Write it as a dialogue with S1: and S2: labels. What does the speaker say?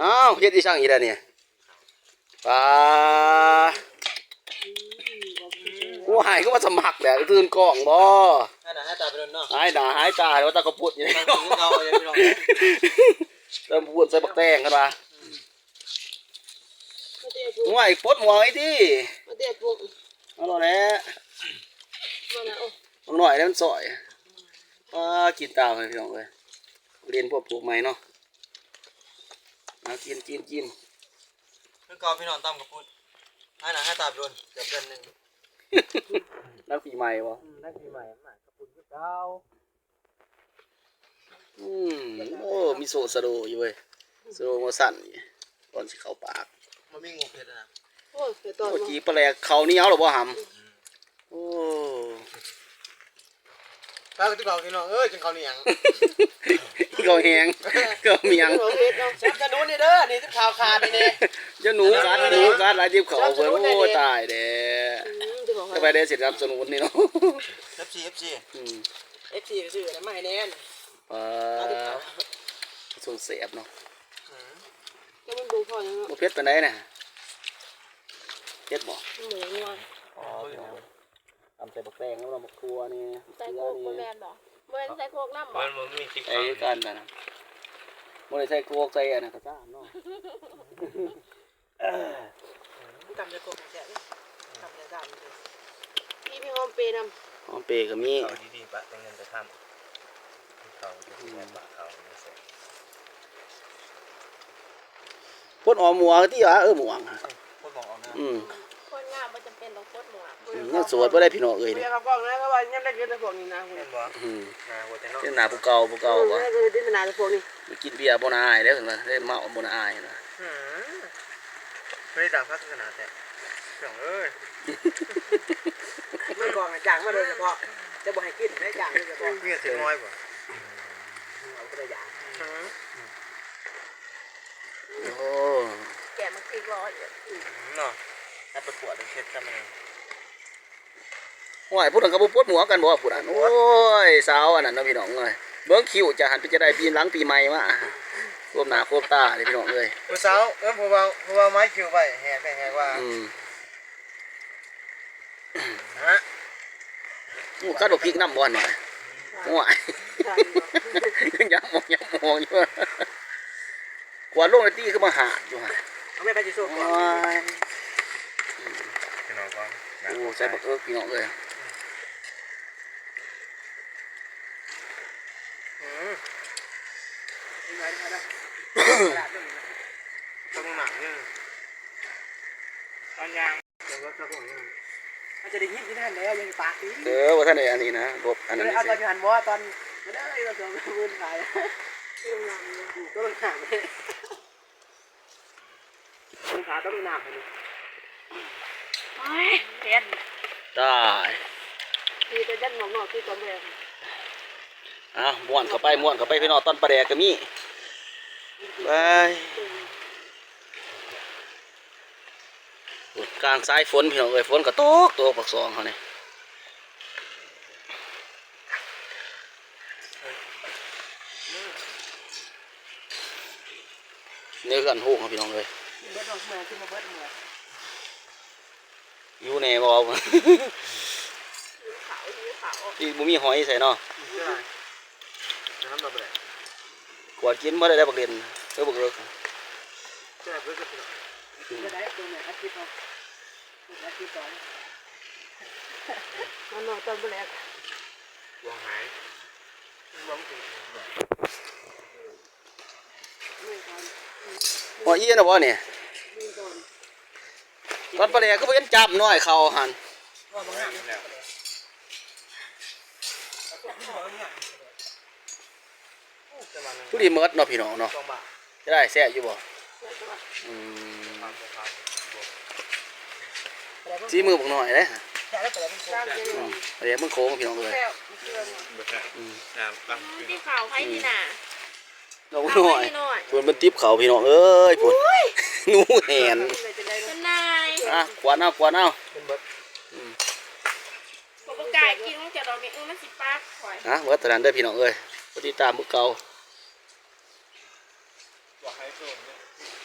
S1: อ้าวเฮ็ดอีช่างอีแล้วเนี่ยปลากูหายก็มาสมัครแหละตื่นกล้องบ่
S2: ให้หน้าให้ตาไปโดนเนาะ
S1: หายหน้าหายตาแล้วตากระปุดอยู่นี่เติมพูดใส่บักแตงกันมาห่วยปดหมวยที่
S3: มาเดี๋ยวปุ๊บ
S1: เอาล่ะแหละบางหน่อยแล้วมันสอยกินตามเลยพี่น้องเลยเรียนพวกปลูกใหม่เนาะกิน
S2: นึกกอพี่น้องตั้มกับพุทธให้หน้าให้ตาไปโดนเกือบเดือนนึง
S1: นักปีใหม่วะ
S2: นักปีใหม่มากับพุทธกับเจ้า
S1: โอ้มีโซสะโดอยู่เว้ยสะโดมาสั่นตอนสิเข้าปาก
S2: มันมีงูเผ็ดนะ
S3: โอ้ยเ
S1: มื่อกี้ปลาแหลกเขานี่เอาหรอบ่หำโอ้
S2: ตาตุ๊กตาพี่น้องจนเขาเหนียง
S1: เขาแหงเขาเมียง
S2: ฉันจะดูนี่เด้อนี่ที่ข่าวขาดนี่
S1: จะหนูกัดหลายจิ้มเขาเว้ยโอ้ตายเด้จะไปได้สิครับสนุนนี่เนาะ
S2: FCซื้อแล้วไม่แน่น
S1: ส่งเสียบเนาะ
S3: จะมันดูพอยัง
S1: เพชรไปไหนเนี่ยเพชรบ่
S3: เหมือนงัว
S1: ทำใส่บักแตงแล้วเราบักทัวนี่
S3: ใส่โคกโบแมนบ่โบแมนใส่โคกน้ำบ่
S2: มันมีติ๊ก
S1: ไอ้กันนะโมได้ใส่โคกใส่อันนั้นก็ซ่าเนาะ
S2: ทำจะโคกแฉะทำจะดำ
S3: พี่หอมเปย์น
S1: ำหอมเปย์ก็มี
S2: เขาดีๆปะต้องเงินจะทำเขาจะแม่ปะเขาไม่ใส่
S1: พดออมหมัวที่ว่าหมวง
S2: พดหมวงเอานะ
S3: คนงามมันจำเป็นต้องพดหมวก
S1: เนี่ยสวดไม่ได้พี่น้องเนี่ย
S3: เขาบอกนะเขาว่ายังได้กินแต่พวกนี้นะ
S2: เห็นบ่
S1: ที่หนาผู้เก่าบ่
S3: ได้กินแต่หนาแต่พวกนี้
S1: กินเบียร์บ่น่าอายแล้วเห็นไหมได้เมาบ่น่าอายนะ
S2: ไม่ได้ด่าพักขนาดแต่เสียง
S3: มันก่อนจางมาเลยเฉพาะจะบอกให้กินได้จางเลยเฉพาะ
S2: เงี้ยเสียงน้อยป่ะ
S3: เอาไปได้จาง
S1: โอ้
S3: แกมันตีร้อย
S2: เนาะถ้าประกวดต้องเช็ดซะมัน
S1: ห่วยพูดถึงกับพูดหมัวกันบ่พูดอันโอ้ยสาวอันนั้นนะพี่น้องเลยเบิ้งคิวจะหันไปจะได้ปีหลังปีใหม่มาโคมหน้าโคมตาเลยพี่น้องเลย
S2: ผู้สาวผู้บ่าวไม้คิวไปแห่ไปแห่ว่า
S1: กัดบอกพริกน้ำบอลหน่อยห่วยยักมองอยู่กว่าลงในที่คือมาหาอยู่ฮะ
S2: เอาไม่ไปจิโซ่ก่อนพี่น้องก็
S1: โอ้ใส่บักพี่น้องเลย
S2: ต้องหนักเนี่ยตอนยางเดี๋ยวก็จะบอกเนี่ยมันจะได้ยินที่นั่นแล้วยังปากดี
S1: ว่าท่านไหนอันนี้นะบอันนั้น
S3: เอาตอนหันว่าตอนไม่ได้เราจะมือขายก็ต้องหนักเลยมือขาต้องหนักเลยเห็น
S1: ได้
S3: ที่จะยันหมอกที่ตอนแรก
S1: ม้วนเข้าไปพี่น้องตอนปลาแดกก็มีไปกลางสายฝนพี่น้องฝนก็ตกตัวปักซองเขาเนี่ยเนื้อกันหูของพี่น้องเลยอยู่ในบ่อที่บุมีหอยใส่เนาะกวาดกินไม่ได้บักเด่นบักเลิก
S3: มันนอนตอนแรก
S2: วางหาย
S1: หัวอี้นะบ่เนี่ยตอนปลาแดกก็เป็นจับน้อยเขาหันทุเรียนเมิดเนาะพี่น้องเนาะจะได้แซ่อยู่บ่ซีมือบอกหน่อยเลยเดี๋ยวมึงโค้งพี่น้องเลย
S3: ที่ข่าวให้ที่หนา
S1: น้องหน่อยชวนมันติ๊บเขาพี่น้องเอ้ยพุ่นงูแหนขวานเอา
S3: ปกติกินมันจะดอกนี้มันสิปาก
S1: เมื่อตอนนั้นได้พี่น้องเอ้ยปฏิตามมือเก่า